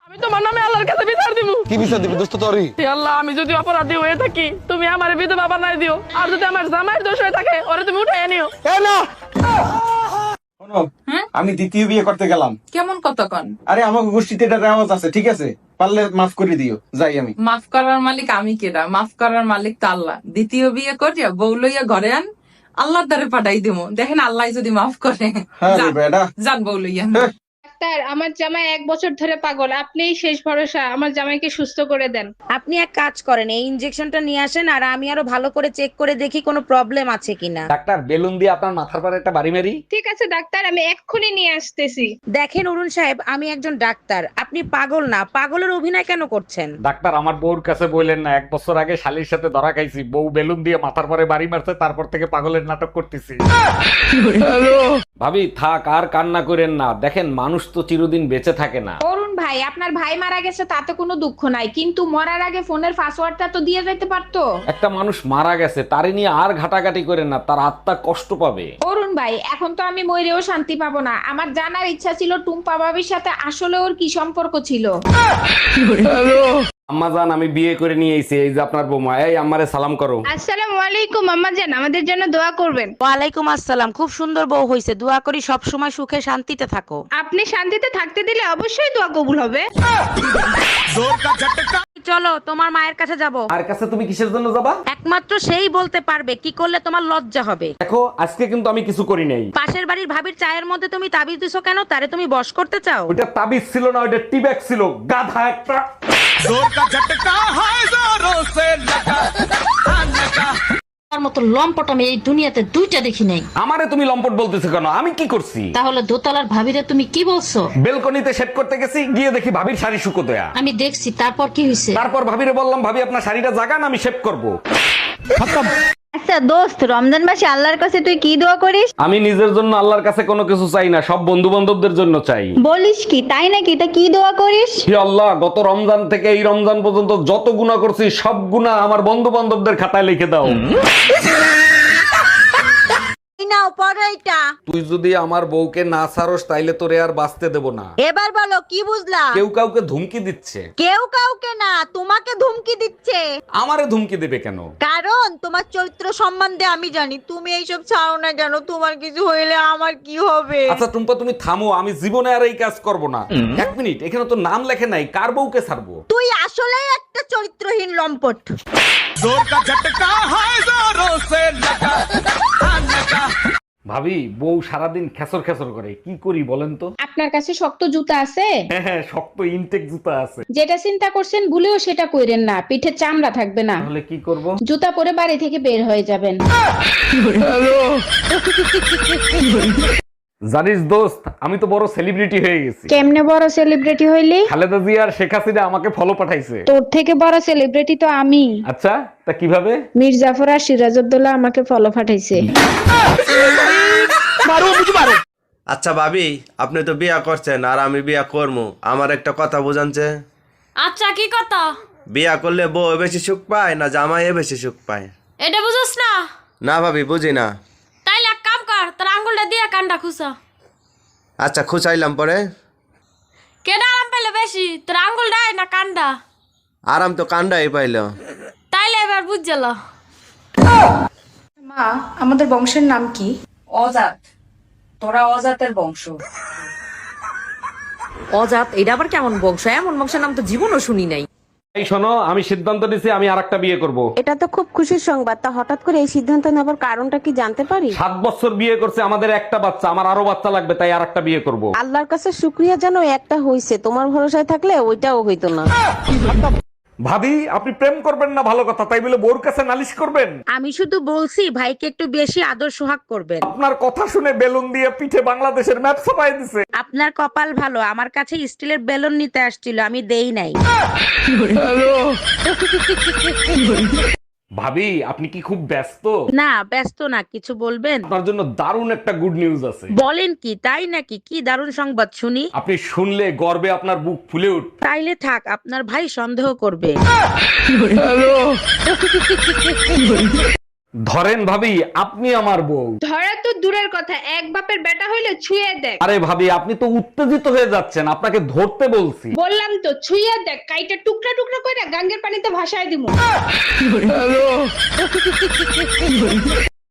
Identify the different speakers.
Speaker 1: আমি তোমার নামে আল্লাহর কাছে বিচার দিব।
Speaker 2: কি বিচার দিবি দোস্ত তোরই?
Speaker 1: হে আল্লাহ, আমি যদি অপরাধী হয়ে থাকি তুমি আমার বিধবা বানাই দিও, আর যদি আমার জামাইয়ের দোষ হয়ে থাকে ওরে তুমি উঠাই নিও।
Speaker 2: এ না,
Speaker 3: শোনো, আমি দ্বিতীয় বিয়ে করতে গেলাম।
Speaker 4: কেমন কতক্ষণ?
Speaker 3: আরে আমার গোষ্ঠীতে এটা রেওয়াজ আছে, ঠিক আছে? পারলে মাফ করে দিও, যাই আমি।
Speaker 4: মাফ করার মালিক আমি কেডা? মাফ করার মালিক তো আল্লাহ। দ্বিতীয় বিয়ে করিয়া বউ লইয়া ঘরে আন, আল্লাহর দ্বারে পাঠাই দিব। দেখেন আল্লাহ যদি মাফ করে।
Speaker 3: হ্যাঁ রে
Speaker 4: যান,
Speaker 3: বেটা।
Speaker 4: যান বউ লইয়া।
Speaker 5: ডাক্তার, আমার জামাই 1 বছর ধরে পাগল, আপনিই শেষ ভরসা, আমার জামাইকে সুস্থ করে দেন।
Speaker 6: আপনি এক কাজ করেন, এই ইনজেকশনটা নিয়ে আসেন আর আমি আরো ভালো করে চেক করে দেখি কোনো প্রবলেম আছে কিনা।
Speaker 7: ডাক্তার, বেলুন দিয়ে আপনার মাথার পরে একটা বাড়ি মারি।
Speaker 5: ঠিক আছে ডাক্তার, আমি এক্ষুনি নিয়ে আসতেছি।
Speaker 6: দেখেন অরুণ সাহেব, আমি একজন ডাক্তার, আপনি পাগল না। পাগলের অভিনয় কেন করছেন?
Speaker 7: ডাক্তার, আমার বউর কাছে বললেন না 1 বছর আগে শালির সাথে ধরা খাইছি, বউ বেলুন দিয়ে মাথার পরে বাড়ি মারছে, তারপর থেকে পাগলের নাটক করতেছি। ভাবি থাক, আর কান্না করেন না, দেখেন মানুষ তো চিরদিন বেঁচে থাকে না।
Speaker 8: অরুণ ভাই, আপনার ভাই মারা গেছে তাতে কোনো দুঃখ নাই, কিন্তু মরার আগে ফোনের পাসওয়ার্ডটা তো দিয়ে যেতে পারতো।
Speaker 7: একটা মানুষ মারা গেছে, তারে নিয়ে আর ঘাটাঘাটি করেন না, তার আত্মা কষ্ট পাবে।
Speaker 8: অরুণ ভাই, এখন তো আমি মরেও শান্তি পাবো না। আমার জানার ইচ্ছা ছিল টুম্পা ভাবির সাথে আসলে ওর কি সম্পর্ক ছিল।
Speaker 7: আম্মাজান, আমি বিয়ে করে নিয়ে এসেছি, এই যে আপনার বৌমা। এই আম্মারে সালাম করো।
Speaker 5: আসসালামু আলাইকুম আম্মা জান, আমাদের জন্য দোয়া করবেন।
Speaker 6: ওয়ালাইকুম আসসালাম। খুব সুন্দর বউ হয়েছে, দোয়া করি সব সময় সুখে শান্তিতে থাকো।
Speaker 5: আপনি শান্তিতে থাকতে দিলে অবশ্যই দোয়া কবুল হবে।
Speaker 6: চলো তোমার মায়ের কাছে যাব।
Speaker 7: আর কাছে তুমি কিসের জন্য যাবা?
Speaker 6: একমাত্র সেই বলতে পারবে কি করলে তোমার লজ্জা হবে।
Speaker 7: দেখো, আজকে কিন্তু আমি কিছু করি নাই।
Speaker 6: পাশের বাড়ির ভাবির চায়ের মধ্যে তুমি তাবিজ দিছো কেন? তারে তুমি বশ করতে চাও?
Speaker 7: ওইটা তাবিজ ছিল না, ওইটা টিব্যাগ ছিল, গাধা একটা।
Speaker 9: তার মতো লম্পট আমি এই দুনিয়াতে 2টা দেখি নাই।
Speaker 7: আমারে তুমি লম্পট বলতেছো কেন? আমি কি করছি?
Speaker 9: তাহলে দোতলার ভাবিরে তুমি কি বলছো?
Speaker 7: বেলকনিতে সেট করতে গেছি, গিয়ে দেখি ভাবির শাড়ি শুকো দেয়া।
Speaker 9: আমি দেখছি, তারপর কি হয়েছে?
Speaker 7: তারপর ভাবিরে বললাম, ভাবি আপনার শাড়িটা জাগান, আমি শেভ করব।
Speaker 10: আচ্ছা দোস্ত, রমজান মাসে আল্লাহর কাছে তুই কি দোয়া করিস?
Speaker 7: আমি নিজের জন্য আল্লাহর কাছে কোনো কিছু চাই না, সব বন্ধু বান্ধবদের জন্য চাই।
Speaker 10: বলিস কি, তাই নাকি? তা কি দোয়া করিস?
Speaker 7: হে আল্লাহ, গত রমজান থেকে এই রমজান পর্যন্ত যত গুনাহ করছি সব গুনাহ আমার বন্ধু বান্ধবদের খাতায় লিখে দাও।
Speaker 6: নাও পড়ো এটা।
Speaker 7: তুই যদি আমার বউকে না ছাড়স তাইলে তোরে আর বাঁচতে দেব না।
Speaker 6: এবার বলো কি বুঝলা?
Speaker 7: কেউ কাউকে ধুমকি দিচ্ছে।
Speaker 6: কেউ কাউকে না, তোমাকে ধুমকি দিচ্ছে।
Speaker 7: আমারে ধুমকি দেবে কেন?
Speaker 6: কারণ তোমার চরিত্র সম্বন্ধে আমি জানি। তুমি এইসব ছাড়ো না কেন? তোমার কিছু হইলে আমার কি হবে?
Speaker 7: আচ্ছা টুম্পা, তুমি থামো, আমি জীবনে আর এই কাজ করব না। 1 মিনিট, এখানে তো নাম লেখে নাই, কার বউকে ছাড়বো?
Speaker 6: তুই আসলেই একটা চরিত্রহীন লম্পট।
Speaker 7: ভাবি, বউ সারাদিন খেসর খেসর করে, কি করি বলেন তো?
Speaker 8: আপনার কাছে শক্ত জুতা আছে?
Speaker 7: হ্যাঁ হ্যাঁ, শক্ত ইনটেক জুতা আছে।
Speaker 8: যেটা চিন্তা করছেন ভুলেও সেটা কইরেন না, পিঠে চামড়া থাকবে না।
Speaker 7: তাহলে কি করব?
Speaker 8: জুতা পরে বাড়ি থেকে বের হয়ে যাবেন।
Speaker 7: জানিস দোস্ত, আমি তো বড় সেলিব্রিটি হয়ে গেছি।
Speaker 8: কেমনে বড় সেলিব্রিটি হইলি?
Speaker 7: খালেদা জিয়া আর শেখ হাসিনা আমাকে ফলো পাঠাইছে।
Speaker 8: তোর থেকে বড় সেলিব্রিটি তো আমি।
Speaker 7: আচ্ছা, তা কিভাবে?
Speaker 8: মীর জাফর আর সিরাজউদ্দৌলা আমাকে ফলো পাঠাইছে।
Speaker 11: আচ্ছা ভাবি, আপনি তো বিয়া করছেন আর আমি বিয়া করবো, আমার একটা কথা বুঝানছে।
Speaker 9: আচ্ছা, কি কথা?
Speaker 11: বিয়া করলে বউ বেশি সুখ পায় না জামাই বেশি সুখ পায়?
Speaker 9: এটা বুঝছ না?
Speaker 11: না ভাবি, বুঝি না।
Speaker 9: তাইলে এক কাম কর, তোর আঙ্গুলটা দিয়ে কানটা খুসা।
Speaker 11: আচ্ছা খুঁচাইলাম, পরে
Speaker 9: কেডা আরাম পাইলে বেশি, তোর আঙ্গুলটা না কানটা?
Speaker 11: আরাম তো কান্ডাই পাইল।
Speaker 9: তাইলে এবার বুঝল।
Speaker 5: মা, আমাদের বংশের নাম কি?
Speaker 4: অজাত। তোরা অজাতের বংশ।
Speaker 6: অজাত? এটা আবার কেমন বংশ? এমন বংশের নাম তো জীবনও শুনি নাই।
Speaker 7: এই শোনো, আমি সিদ্ধান্ত নিয়েছি আমি আরেকটা বিয়ে করব।
Speaker 6: এটা তো খুব খুশির সংবাদ। তা হঠাৎ করে এই সিদ্ধান্ত নেবার কারণটা কি জানতে পারি?
Speaker 7: 7 বছর বিয়ে করছে, আমাদের একটা বাচ্চা, আমার আরো বাচ্চা লাগবে, তাই আরেকটা বিয়ে করব।
Speaker 6: আল্লাহর কাছে শুকরিয়া জানো, একটা হইছে। তোমার ভরসায় থাকলে ওইটাও হইতো না।
Speaker 7: ভাবি, আপনি প্রেম করবেন না ভালো কথা, তাই বলে বউর কাছে নালিশ করবেন?
Speaker 6: আমি শুধু বলছি ভাইকে একটু বেশি আদর সোহাগ করবেন।
Speaker 7: আপনার কথা শুনে বেলুন দিয়ে পিঠে বাংলাদেশের ম্যাপ ছাপাই দিছে।
Speaker 6: আপনার কপাল ভালো, আমার কাছে স্টিলের বেলুন নিতে আসছিল, আমি দেই নাই।
Speaker 7: ভাবি, আপনি কি খুব ব্যস্ত?
Speaker 6: না ব্যস্ত না, কিছু বলবেন?
Speaker 7: আপনার জন্য দারুণ একটা গুড নিউজ আছে।
Speaker 6: বলেন কি? তাই নাকি? কি দারুণ সংবাদ শুনি।
Speaker 7: আপনি শুনলে গর্বে আপনার বুক ফুলে উঠবে।
Speaker 6: তাইলে থাক, আপনার ভাই সন্দেহ করবে।
Speaker 7: ধরেন ভাবি, আপনি আমার বউ।
Speaker 5: ধরা তো দূরের কথা, এক বাপের বেটা হইলে ছুঁয়ে দেখ।
Speaker 7: আরে ভাবি আপনি তো উত্তেজিত হয়ে যাচ্ছেন, আপনাকে ধরতে বলছি।
Speaker 5: বললাম তো ছুঁয়ে দেখ, কাইটা টুকরা টুকরা করে গাঙ্গের পানিতে ভাসায় দিমু।